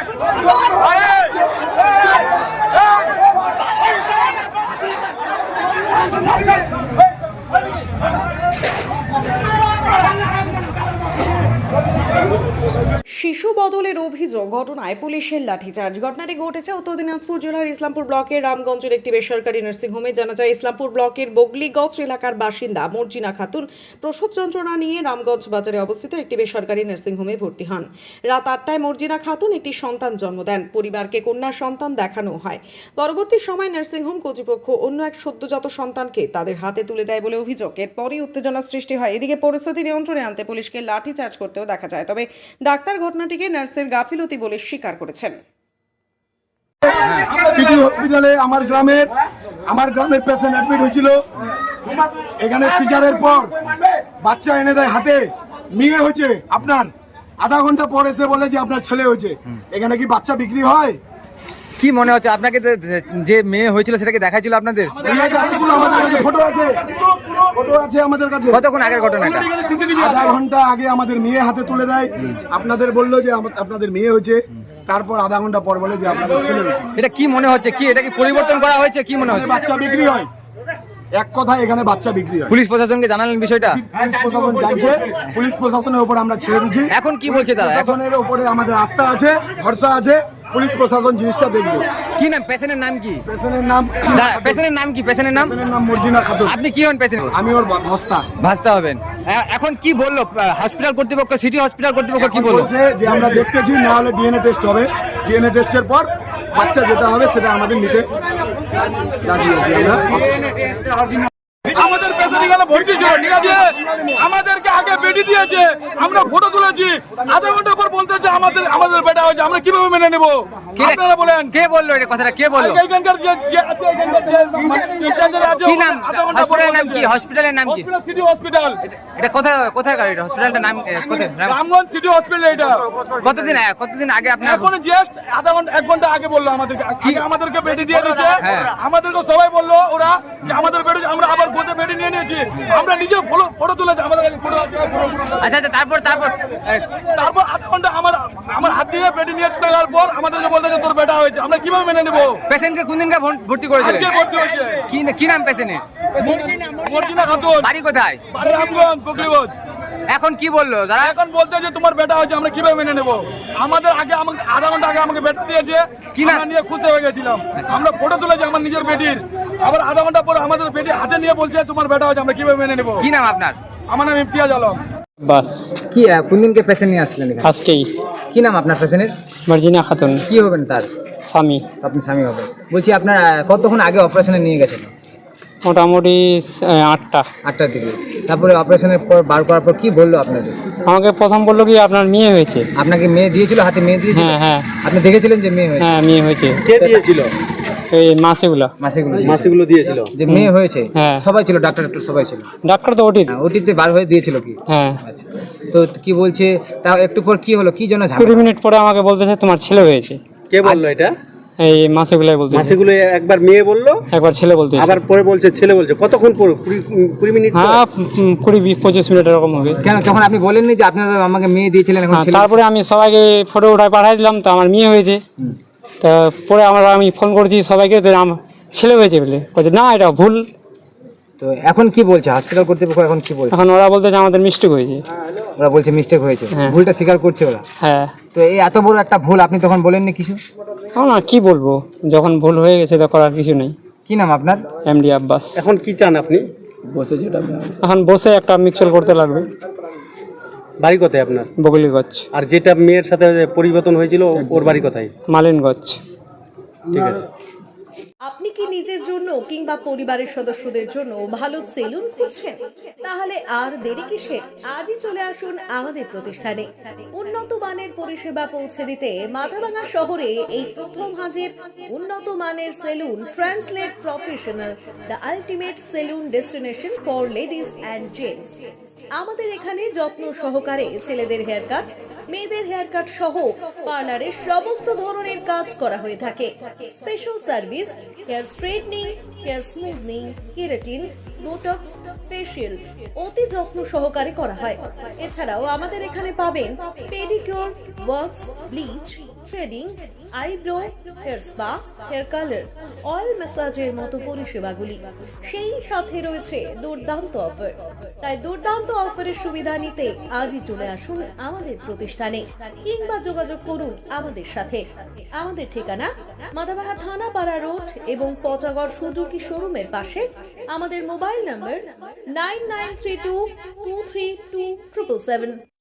শিশু বদলের অভিযোগ, ঘটনায় পুলিশের লাঠিচার্জ। ঘটনাটি ঘটেছে উত্তর দিনাজপুর জেলার ইসলামপুর ব্লকের রামগঞ্জের একটি বেসরকারি নার্সিংহোমে। জানা যায়, ইসলামপুর ব্লকের বগলিগঞ্জ এলাকার বাসিন্দা মর্জিনা খাতুন প্রসব যন্ত্রণা নিয়ে রামগঞ্জ বাজারে অবস্থিত একটি বেসরকারি নার্সিংহোমে ভর্তি হন। রাত 8টায় মর্জিনা খাতুন একটি সন্তান জন্ম দেন। পরিবারকে কন্যা সন্তান দেখানো হয়। পরবর্তী সময় নার্সিংহোম কর্তৃপক্ষ অন্য এক সদ্যজাত সন্তানকে তাদের হাতে তুলে দেয় বলে অভিযোগ। এরপরই উত্তেজনার সৃষ্টি হয়। এদিকে পরিস্থিতি নিয়ন্ত্রণে আনতে পুলিশকে লাঠিচার্জ করতেও দেখা যায়। তবে ডাক্তার ঘটনাটিকে নার্সের গাফিলতি বলে স্বীকার করেছেন। সিটি হসপিটালে আমার গ্রামের পেশেন্ট অ্যাডমিট হয়েছিল। এখানে সিজারের পর বাচ্চা এনে দেয় হাতে, মেয়ে হয়েছে। আপনার আধা ঘন্টা পর এসে বলে যে আপনার ছেলে হয়েছে। এখানে কি বাচ্চা বিক্রি হয়? কি মনে হচ্ছে আপনাকে? যে মেয়ে হয়েছিল সেটাকে দেখাইছিল আপনাদের? ফটো আছে আমাদের কাছে। কতক্ষণ আগের ঘটনা এটা? আধা ঘন্টা আগে আমাদের মেয়ে হাতে তুলে দেয়। আপনাদের বললো যে আপনাদের মেয়ে হয়েছে, তারপর আধা ঘন্টা পর বলে যে আপনাদের ছেলে হয়েছে। এটা কি মনে হচ্ছে? কি এটা কি পরিবর্তন করা হয়েছে? কি মনে হচ্ছে? বাচ্চা বিক্রি হয়, এক কথায় এখানে বাচ্চা বিক্রি হয়। পুলিশ প্রশাসনকে জানালেন বিষয়টা? পুলিশ প্রশাসন জানছে, পুলিশ প্রশাসনের উপর আমরা ছেড়ে দিচ্ছি। এখন কি বলছে তারা? প্রশাসনের উপরে আমাদের আস্থা আছে, ভরসা আছে। পুলিশ প্রশাসন জিনিসটা দেখবে। কি নাম পেশেন্টের নাম? কি পেশেন্টের নাম? পেশেন্টের নাম কি? পেশেন্টের নাম মর্জিনা খাতুন। আপনি কি হন পেশেন্ট? আমি ওর ভাস্তা হবেন। এখন কি বললো হসপিটাল কর্তৃপক্ষ, সিটি হসপিটাল কর্তৃপক্ষ কি বললো? যে আমরা দেখতেছি, না হলে ডিএনএ টেস্ট হবে। ডিএনএ টেস্টের পর বাচ্চা যেটা হবে সেটা আমাদের নিতে রাজি আছি আমরা। আমাদের পেশেন্ট এখানে ভর্তি ছিল, ঠিক আছে? আমাদেরকে আগে বেডি দিয়েছে, আমরা ফটো তুলেছি। আধা ঘন্টা পর বলতেছে আমাদের বেটা হয়েছে। আমরা কিভাবে মেনে নেব? আপনারা বলেন। কে বললো এটা কথাটা? কে বললো? এখানকার যে আছে, এখানকার যে ইনচার্জে আছে। কি নাম? হসপিটালের নাম কি? হসপিটালের নাম কি? City hospital. এটা কোথায় এটা? হসপিটালটার নাম কোথায়? Ramganj city hospital. এটা কতদিন আগে আপনার? এখন জাস্ট আধা ঘন্টা 1 ঘন্টা আগে বললো আমাদেরকে বেডি দিয়ে দিয়েছে। আমাদেরকে সবাই বললো ওরা যে আমাদের বেডি, আমরা আবার গোতে বেডি নিয়ে নিয়েছি। আমরা নিজে ফটো তুলেছি, আমাদের কাছে ফটো আছে। আচ্ছা, তারপর আধা ঘন্টা আমার হাত দিয়ে বেডি নিয়ে চলে যাওয়ার পর আমাদেরকে বলতে যে তোর বেটা হয়েছে। আমরা কিভাবে মেনে নেবো? পেশেন্টকে কোন দিনকে ভর্তি করেছিলেন? আজকে ভর্তি হয়েছে। কি নাম পেশেন্টের? মর্জিনা খাতুন। বাড়ি কোথায়? বাড়ি রামগঞ্জ, বগলিগঞ্জ। এখন কি বললো তারা? এখন বলতে যে তোমার বেটা হয়েছে, আমরা কিভাবে মেনে নেবো? আমাদের আধা ঘন্টা আগে আমাকে বেটা দিয়েছে, কি না নিয়ে খুশি হয়ে গেছিলাম। আমরা ফটো তুলেছি আমার নিজের বেটির। আবার আধা ঘন্টা পর আমাদের বেটি হাতে নিয়ে বলছে তোমার বেটা হয়েছে, আমরা কিভাবে মেনে নেবো? কি নাম আপনার? আমার নাম ইমতিয়াজ আলম। বাস কি কোন দিনকে পেশেন্ট নিয়ে আসলেন? আজকেই। কি নাম আপনার পেশেন্টের? মর্জিনা খাতুন। কি হবেন তার? স্বামী। আপনি স্বামী হবেন। বলছি আপনার কতক্ষণ আগে অপারেশনে নিয়ে গেছেন? মোটামুটি 8টার দিকে। তারপরে অপারেশনের পর বার করার পর কি বললো আপনাদের? আমাকে প্রথম বললো কি আপনার মেয়ে হয়েছে। আপনাকে মেয়ে দিয়েছিল? হাতে মেয়ে দিয়েছিল? হ্যাঁ। আপনি দেখেছিলেন যে মেয়ে হয়েছে? হ্যাঁ, মেয়ে হয়েছে। কে দিয়েছিল? এই মাসেগুলো দিয়েছিল যে মেয়ে হয়েছে। হ্যাঁ, সবাই ছিল, ডাক্তার সবাই ছিল। ডাক্তার তো ওটিতে বার হয়ে দিয়েছিল কি? হ্যাঁ। আচ্ছা, তো কি বলছে তাও একটু পর কি হলো? কি জন্য 20 মিনিট পরে আমাকে বলতেছে তোমার ছেলে হয়েছে। কে বললো এটা? এই মাসেগুলাই বলতেছে। মাসেগুলো একবার মেয়ে বললো, একবার ছেলে বলতেছে, আবার পরে বলছে ছেলে বলছে। কতক্ষণ পর? 20 মিনিট? হ্যাঁ, 20-25 মিনিট এরকম হবে। কেন তখন আপনি বলেননি যে আপনারা আমাকে মেয়ে দিয়েছিলেন? এখন তারপরে আমি সবাইকে ফটো উঠায় পাঠাই দিলাম, তো আমার মেয়ে হয়েছে। তা পরে আমি ফোন করছি সবাইকে, আমার ছেলে হয়েছে বলে বলছে না এটা ভুল। তো এখন কি বলছে হসপিটাল কর্তৃপক্ষ? এখন কি বলছে? এখন ওরা বলতেছে আমাদের মিস্টেক হয়েছে। ওরা বলছে মিস্টেক হয়েছে, ভুলটা স্বীকার করছে ওরা। হ্যাঁ। তো এই এত বড় একটা ভুল আপনি তখন বলেননি কিছু? না, কি বলবো, যখন ভুল হয়ে গেছে তো করার কিছু নেই। কি নাম আপনার? এমডি আব্বাস। এখন কি চান আপনি? এখন বসে একটা মিক্সচার করতে লাগবে। বাড়ি কোথায় আপনার? বগলিগঞ্জ। আর যেটা মেয়ের সাথে পরিবর্তন হয়েছিল ওর বাড়ি কোথায়? মালিনগঞ্জ। ঠিক আছে। আপনি কি নিজের জন্য কিংবা পরিবারের সদস্যদের জন্য ভালো সেলুন খুঁজছেন? তাহলে আর দেরি কিসের? আজই চলে আসুন আমাদের প্রতিষ্ঠানে। উন্নত মানের পরিষেবা পৌঁছে দিতে মাথাভাঙা শহরে এই প্রথম হাজির উন্নত মানের salon translate professional, the ultimate salon destination for ladies and gents. আমাদের এখানে যত্ন সহকারে ছেলেদের হেয়ার কাট, মেয়েদের হেয়ার কাট সহ পার্লারের সমস্ত ধরনের কাজ করা হয়ে থাকে। Special service, hair straightening, hair smoothing, keratin, botox, facial অতি যত্ন সহকারে করা হয়। এছাড়াও আমাদের এখানে পাবেন pedicure, wax, bleach, threading, eyebrow, hair spa, hair colour, oil ম্যাসাজের মতো পরিষেবাগুলি। সেই সাথে রয়েছে দুর্দান্ত অফার। তাই দুর্দান্ত অফারের সুবিধা নিতে আজই চলে আসুন আমাদের প্রতিষ্ঠানে কিংবা যোগাযোগ করুন আমাদের সাথে। আমাদের ঠিকানা মাদাভাঙা থানাপাড়া রোড এবং পচাগড় সুজুকি শোরুমের পাশে। আমাদের মোবাইল নম্বর 9932232777।